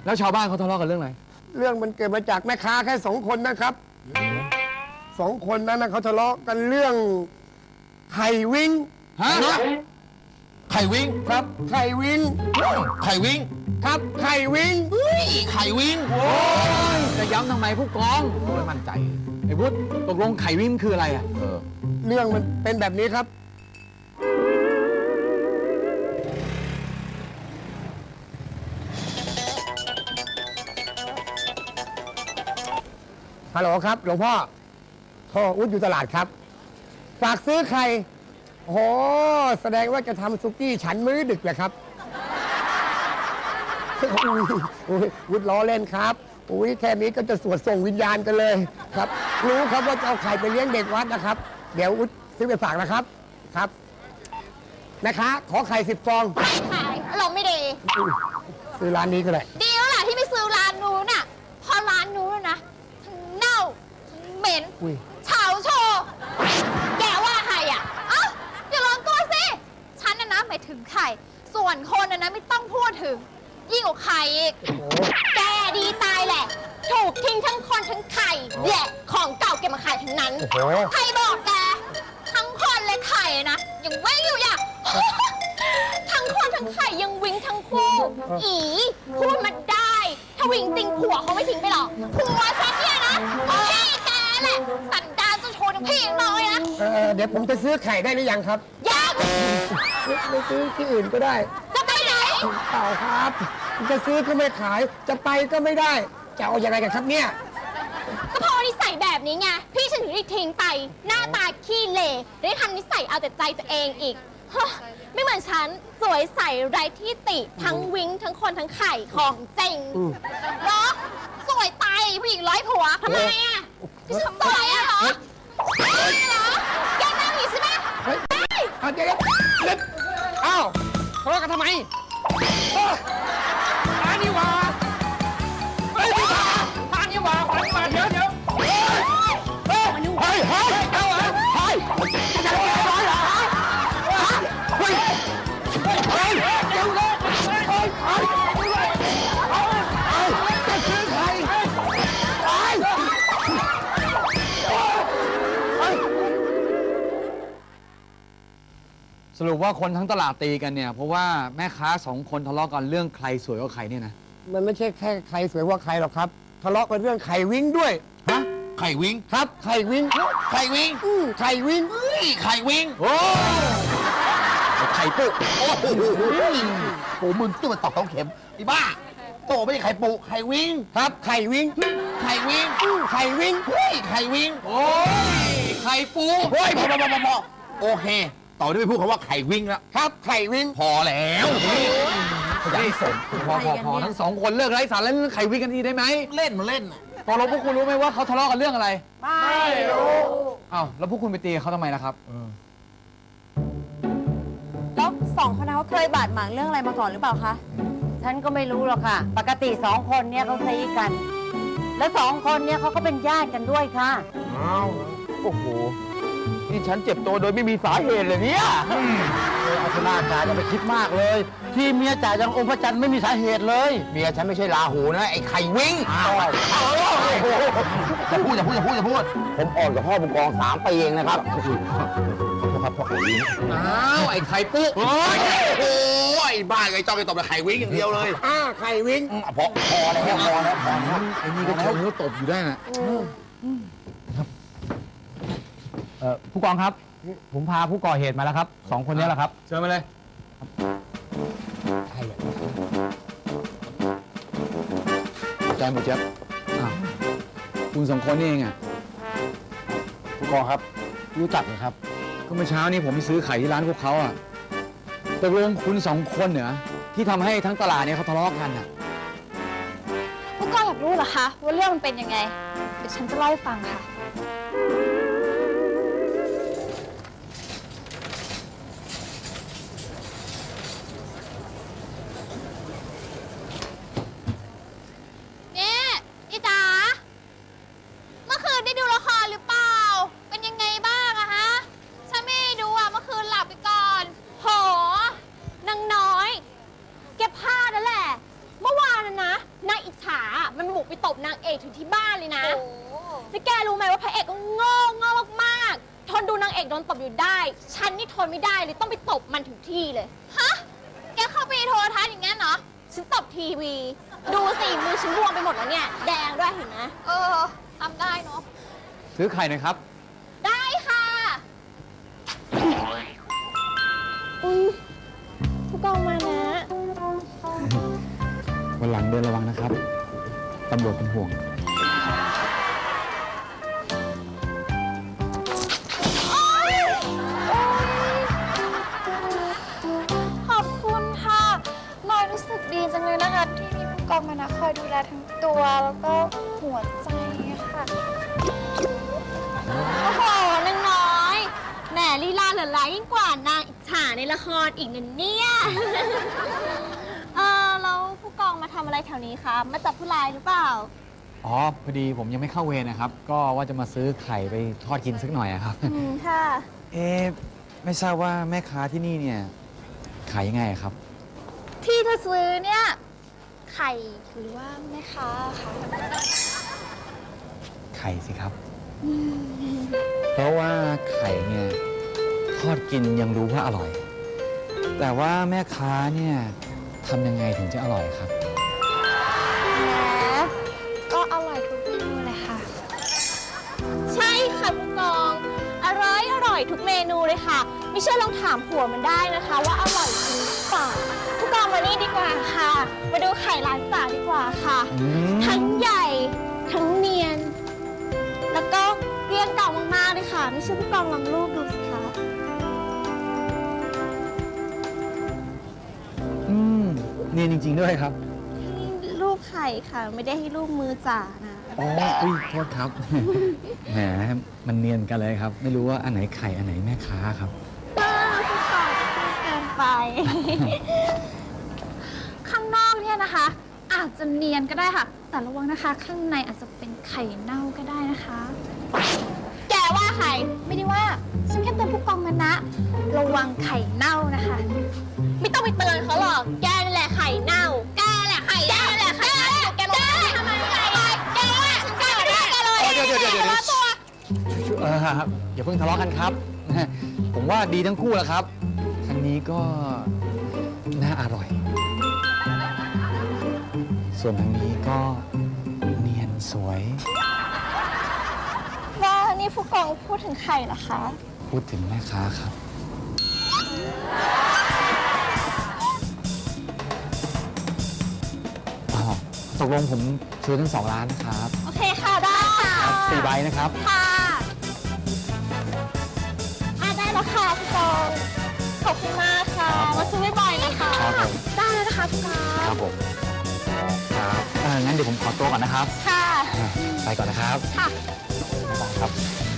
แล้วชาวบ้านเขาทะเลาะกันเรื่องอะไรเรื่องมันเกิดมาจากแม่ค้าแค่2 คนนะครับ2 คนนั้นนะเขาทะเลาะกันเรื่องไข่วิงฮะไข่วิงครับไข่วิงไข่วิงครับไข่วิงไข่วิงโอ้ยจะย้ำทำไมผู้กองไม่มั่นใจไอ้วุฒิตกลงไข่วิงคืออะไรอ่ะเรื่องมันเป็นแบบนี้ครับฮัลโหลครับหลวงพ่ออุ๊ดอยู่ตลาดครับฝากซื้อไข่โอ้แสดงว่าจะทำซุกี้ฉันมื้อดึกเลยครับวุฒิล้อเล่นครับแค่นี้ก็จะสวดส่งวิญญาณกันเลยครับรู้ครับว่าจะเอาไข่ไปเลี้ยงเด็กวัดนะครับเดี๋ยววุฒิซื้อไปฝากนะครับครับนะคะขอไข่10 ฟองไม่ขายเราไม่ดีซื้อร้านนี้ก็ได้ดีแล้วล่ะที่ไม่ซื้อร้านนู้นน่ะพอร้านนู้นนะทั้งเน่าทั้งเหม็นเฉาโชว์แกว่าใครอ่ะเอ้าอย่าลองตัวสิฉันน่ะนะหมายถึงไข่ส่วนคนน่ะนะไม่ต้องพูดถึงยิ่งกว่าไข่อีกแกดีตายแหละถูกทิ้งทั้งคนทั้งไข่แหละของเก่าเก็บมาขายทั้งนั้นใครบอกแกทั้งคนและไข่นะยังวิ่งอยู่อย่าง ทั้งคนทั้งไข่ยังวิ่งทั้งคู่อีพูดมาได้ถ้าวิ่งจริงผัวเขาไม่ทิ้งไปหรอกผัวฉันเนี่ยนะพี่แกแหละสันดานจะโชว์ทั้งพี่น้อยนะเดี๋ยวผมจะซื้อไข่ได้หรือยังครับยังไม่ซื้อที่อื่นก็ได้จะไปไหนเปล่าครับจะซื้อก็ไม่ขายจะไปก็ไม่ได้จะเอายังไงกันครับเนี่ยก็เพราะนิสัยแบบนี้ไงพี่ฉันถึงได้ทิ้งไปหน้าตาขี้เหร่ได้ทำนิสัยเอาแต่ใจตัวเองอีกไม่เหมือนฉันสวยใสไร้ที่ติทั้งวิ้งทั้งคนทั้งไข่ของจริงเนาะสวยตายผู้หญิง100 ผัวทำไมอ่ะที่ฉันสวยอ่ะเหรอเหรอแกนั่งอยู่ใช่ไหมเดี๋ยวอ้าวทะเลาะกันทำไมอันนี้วะอันนี้วะเดี๋ยวเฮ้ยเอาเหรอเฮ้ยจะร้อยเหรอเฮ้ยเดี๋ยวเลยจะซื้อใครสรุปว่าคนทั้งตลาดตีกันเนี่ยเพราะว่าแม่ค้า2 คนทะเลาะกันเรื่องใครสวยกว่าใครเนี่ยนะมันไม่ใช่แค่ใครสวยกว่าใครหรอกครับทะเลาะกันเรื่องไข่วิ้งด้วยฮะไข่วิ้งครับไข่วิ้งไข่วิ้งไข่วิ้งไข่วิ้งโอ้ไข่ปุโอ้โหมึงตัวตอกเข็มไอ้บ้าโตไม่ใช่ไข่ปุไข่วิ้งครับไข่วิ้งไข่วิ้งไข่วิ้งไข่วิ้งโอ้ยไข่ปูเฮ้ยพอโอเคต่อด้วยพูดคำว่าไข่วิ้งแล้วครับไข่วิ้งพอแล้วนี่สมพอทั้ง2 คนเลิกไร้สาระเล่นไข่วิ้งกันทีได้ไหมเล่นตกลงพวกคุณรู้ไหมว่าเขาทะเลาะกันเรื่องอะไรไม่รู้อ้าวแล้วพวกคุณไปตีเขาทำไมล่ะครับแล้ว2 คนนั้นเขาเคยบาดหมางเรื่องอะไรมาก่อนหรือเปล่าคะฉันก็ไม่รู้หรอกค่ะปกติ2 คนเนี่ยเขาซีกัน แล้ว2 คนเนี่ยเขาก็เป็นญาติกันด้วยค่ะอ้าวโอ้โหนี่ฉันเจ็บตัวโดยไม่มีสาเหตุเลยเนี่ยเอาชนะจ่าอย่าไปคิดมากเลยที่เมียจ่ายังองค์พระจันทร์ไม่มีสาเหตุเลยเมียฉันไม่ใช่ราหูนะไอ้ไข่วิ้งจะพูดผมอ่อนกับพ่อผู้กอง3 ปีเองนะครับครับพ่อไข่วิ้งอ้าวไอ้ไข่ปุ๊โอ้ยบ้าไอ้จ้องไอ้ตบแต่ไข่วิ้งอย่างเดียวเลยไข่วิ้งพอแล้วไอ้นี่ก็เขาตบอยู่ได้นะผู้กองครับผมพาผู้ก่อเหตุมาแล้วครับ2 คนนี้แหละครับเชิญมาเลยแจ้งหมดเจ็บคุณ2 คนนี่เองอ่ะผู้กองครับรู้จักไหมครับก็เมื่อเช้านี้ผมไปซื้อไข่ที่ร้านพวกเขาอ่ะตกลงคุณ2 คนเหรอที่ทำให้ทั้งตลาดเนี่ยเขาทะเลาะกันอ่ะผู้กองอยากรู้เหรอคะว่าเรื่องมันเป็นยังไงเดี๋ยวฉันจะเล่าให้ฟังค่ะอมันบุกไปตบนางเอกถึงที่บ้านเลยนะแล้วแกรู้ไหมว่าพระเอกก็โง่มากๆทนดูนางเอกโดนตบอยู่ได้ฉันนี่ทนไม่ได้เลยต้องไปตบมันถึงที่เลยฮะแกเข้าไปโทรทัศน์อย่างงั้นเหรอฉันตบทีวีดูสิมือฉันบวมไปหมดแล้วเนี่ยแดงด้วยเห็นไหมทำได้เนาะซื้อไข่หน่อยครับได้ค่ะผู้กองมานะวันหลังเดินระวังนะครับ ตำรวจเป็นห่วงขอบคุณค่ะลอยรู้สึกดีจังเลยนะคะที่มีผู้กองมานะคอยดูแลทั้งตัวแล้วก็หัวใจค่ะโอ้โหนางน้อยแหมลีลาเหลือหลายยิ่งกว่านางอิจฉาในละครอีกนะเนี่ยแล้วผู้กองมาทำอะไรแถวนี้คะมาจับผู้ร้ายหรือเปล่าอ๋อ พอดีผมยังไม่เข้าเวรนะครับ ก็ว่าจะมาซื้อไข่ไปทอดกินสักหน่อยอะครับค่ะไม่ทราบว่าแม่ค้าที่นี่เนี่ยขายยังไงอะครับที่เธอซื้อเนี่ยไข่หรือว่าแม่ค้าคะไข่สิครับ เพราะว่าไข่เนี่ยทอดกินยังรู้ว่าอร่อย แต่ว่าแม่ค้าเนี่ยทำยังไงถึงจะอร่อยครับแหมก็อร่อยทุกเมนูเลยค่ะ ใช่ค่ะผู้กองอร่อยทุกเมนูเลยค่ะไม่เชื่อลองถามผัวมันได้นะคะว่าอร่อยจริงหรือเปล่าผู้กองมานี่ดีกว่าค่ะ มาดูไข่ร้านจ๋าดีกว่าค่ะ ทั้งใหญ่ทั้งเนียน แล้วก็เรียงเก่ามากๆเลยค่ะไม่เชื่อผู้กองลองรูปดูสิคะเนียนจริง ๆ ด้วยครับนี่รูปไข่ค่ะไม่ได้ให้รูปมือจ๋านะอ๋ออุ้ยโทษครับ แหม มันเนียนกันเลยครับ ไม่รู้ว่าอันไหนไข่ อันไหนแม่ค้าครับผู้กองพูดเกินไป ข้างนอกเนี่ยนะคะ อาจจะเนียนก็ได้ค่ะ แต่ระวังนะคะ ข้างในอาจจะเป็นไข่เน่าก็ได้นะคะ แกว่าใครไม่ได้ว่าฉันแค่เตือนผู้กองมานะ ระวังไข่เน่านะคะ ไม่ต้องไปเตือนเขาหรอกแกนั่นแหละไข่เน่าแกแหละไข่เน่าแหละไข่เน่าแกลงไปทำไมแกว่าฉันแกไม่ได้แกเลยเดี๋ยวอย่าเพิ่งทะเลาะกันครับ ผมว่าดีทั้งคู่แหละครับทางนี้ก็น่าอร่อย ส่วนทางนี้ก็เนียนสวยว่านี่ผู้กองพูดถึงไข่เหรอคะพูดถึงแม่ค้าครับ ตกลงผมซื้อทั้ง2 ร้านนะครับโอเคค่ะ ได้ค่ะ 4 ใบนะครับค่ะได้แล้วค่ะผู้กองขอบคุณมากค่ะ มาซื้อบ่อยๆนะคะครับผมได้แล้วนะคะผู้กองครับผม ครับงั้นเดี๋ยวผมขอตัวก่อนนะครับค่ะไปก่อนนะครับค่ะบ๊ายบายครับ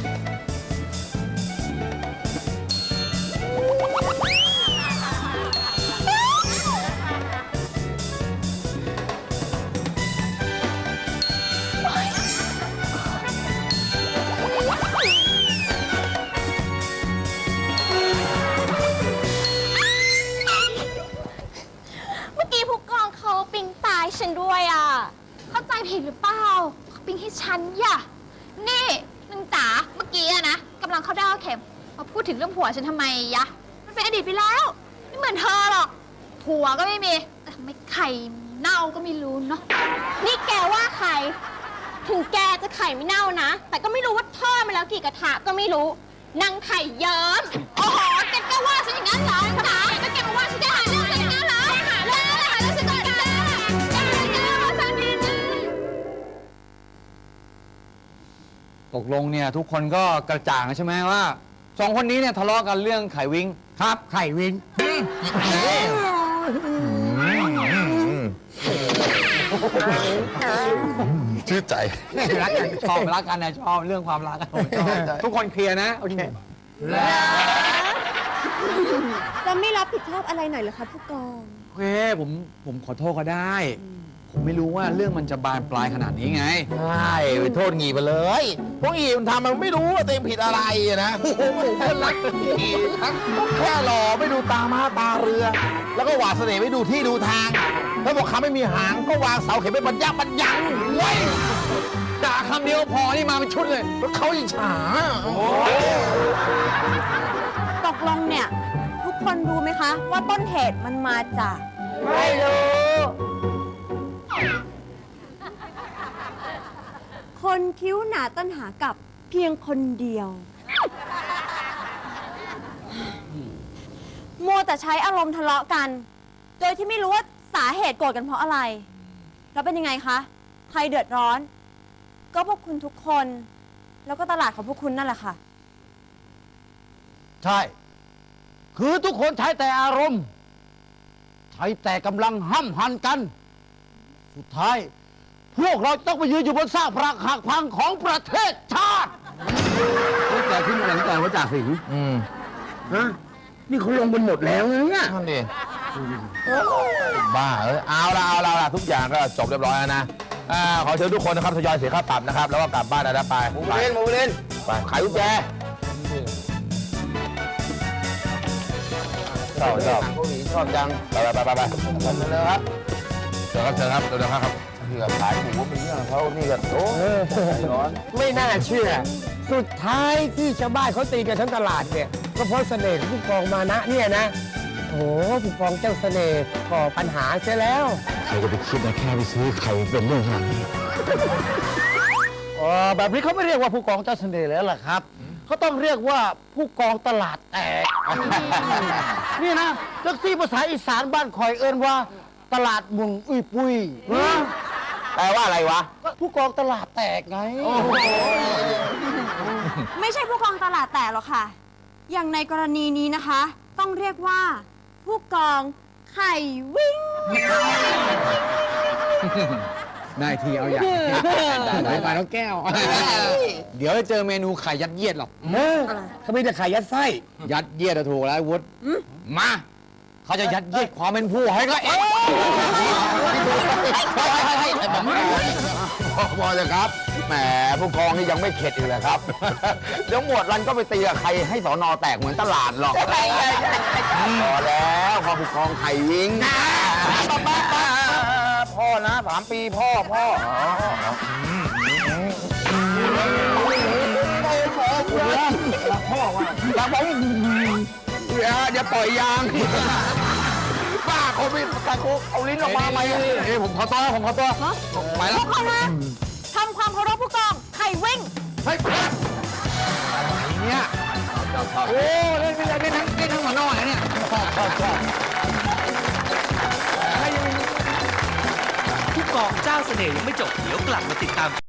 เมื่อกี้ผู้กองเขาปิ๊งตายฉันด้วยอ่ะ เข้าใจผิดหรือเปล่าเขาปิ๊งให้ฉันย่ะนี่นางจ๋าเมื่อกี้อะนะกำลังเข้าดาวเข็มมาพูดถึงเรื่องผัวฉันทำไมยะ มันเป็นอดีตไปแล้ว ไม่เหมือนเธอหรอก ผัวก็ไม่มี แต่ทำไมไข่เน่าก็ไม่รู้เนาะ นี่แกว่าใคร ถึงแกจะไข่ไม่เน่านะ แต่ก็ไม่รู้ว่าทอดมาแล้วกี่กระทะก็ไม่รู้ นางไข่เยิ้มโอ้โหแกก็ว่าฉันอย่างนั้นเหรอจ๋าก็แกมาว่าฉันได้หาเรื่องฉันอย่างนั้นเหรอหาเรื่องฉันก่อนจ้าว่าฉันดีนะตกลงเนี่ยทุกคนก็กระจ่างแล้วใช่ไหมว่า2 คนนี้เนี่ยทะเลาะกันเรื่องไข่วิงครับ ไข่วิงชื่อใจรักกันชอบรักกันนะชอบเรื่องความรักกันผมชอบทุกคนเคลียร์นะ โอเคจะไม่รับผิดชอบอะไรหน่อยเหรอคะผู้กองโอเคผมขอโทษก็ได้ ผมไม่รู้ว่าเรื่องมันจะบานปลายขนาดนี้ไงใช่ไปโทษงีไปเลยพวกงีมันทำมันไม่รู้ว่าตัวเองผิดอะไรอะนะโอ้โหเพื่อนรักงีทั้งแค่หล่อไม่ดูตาม้าตาเรือ แล้วก็หวาดเสน่ห์ไม่ดูที่ดูทางถ้าบอกขาไม่มีหางก็วางเสาเข็มเป็นบรรยับเว้ยด่าคำเดียวพอนี่มาเป็นชุดเลยแล้วเขาอิจฉาตกลงเนี่ย ทุกคนรู้ไหมคะ ว่าต้นเหตุมันมาจากไม่รู้คนคิ้วหนาต้นหากับเพียงคนเดียว มัวแต่ใช้อารมณ์ทะเลาะกัน โดยที่ไม่รู้ว่าสาเหตุโกรธกันเพราะอะไร แล้วเป็นยังไงคะ ใครเดือดร้อน ก็พวกคุณทุกคน แล้วก็ตลาดของพวกคุณนั่นแหละค่ะใช่ คือทุกคนใช้แต่อารมณ์ ใช้แต่กำลังห้ำหันกัน สุดท้าย พวกเราต้องไปยืนอยู่บนซากปรักหักพังของประเทศชาติแต่ขึ้นมาหลังจากว่าจากสิงฮะนี่เขาลงกันหมดแล้วนะเนี่ยนั่นดิบ้าเอาละทุกอย่างก็จบเรียบร้อยแล้วนะขอเชิญทุกคนนะครับทยอยเสียค่าปรับนะครับ แล้วก็กลับบ้านนะไปมูเล่นไปขายกุญแจชอบชอบจังไปเร็วครับเชิญครับเร็วครับที่กับขายหมูเป็นเรื่องเขานี่ก็โอ้ร้อนไม่น่าเชื่อ สุดท้ายที่ชาวบ้านเขาตีกันทั้งตลาดเนี่ย ก็เพราะเสน่ห์ของผู้กองมานะเนี่ยนะ โอ้โหผู้กองเจ้าเสน่ห์ก่อปัญหาเสียแล้วใครจะไปคิดนะแค่ไปซื้อไข่เป็นเรื่องขนาดนี้แบบนี้เขาไม่เรียกว่าผู้กองเจ้าเสน่ห์แล้วล่ะครับ เขาต้องเรียกว่าผู้กองตลาดแตก นี่นะจักซี่ภาษาอีสานบ้านคอยเอิ้นว่า ตลาดมุงอุ้ยปุ้ยแปลว่าอะไรวะก็ผู้กองตลาดแตกไงไม่ใช่ผู้กองตลาดแตกหรอกค่ะ อย่างในกรณีนี้นะคะ ต้องเรียกว่า ผู้กองไข่วิ่งได้ทีเอาอย่างได้มาแล้วแก้ว เดี๋ยวจะเจอเมนูไข่ยัดเยียดหรอกเขาไม่ได้ขายยัดไส้ยัดเยียดอะถูกแล้วไอ้วุฒิมาเขาจะยัดเยียดความเป็นผู้ให้ก็เอ๊ะพอเลยครับ แหมผู้กองนี่ยังไม่เข็ดอีกเลยครับ เดี๋ยวหมวดรันก็ไปตีกับใครให้สอนอแตกเหมือนตลาดหรอกพอแล้วพอผู้กองไข่วิงพ่อนะ3 ปีพ่อรักผมอย่าปล่อยยางบ้าโควิดการโคเอาลิ้นออกมาไหมผมขอตัวไปแล้วทุกคนนะทำความเคารพผู้กองไข่วิ่งเฮ้ยอะไรเนี่ยโอ้เล่นทั้งหัวนอกเลยเนี่ยชอบผู้กองเจ้าเสน่ห์ยังไม่จบ เดี๋ยวกลับมาติดตาม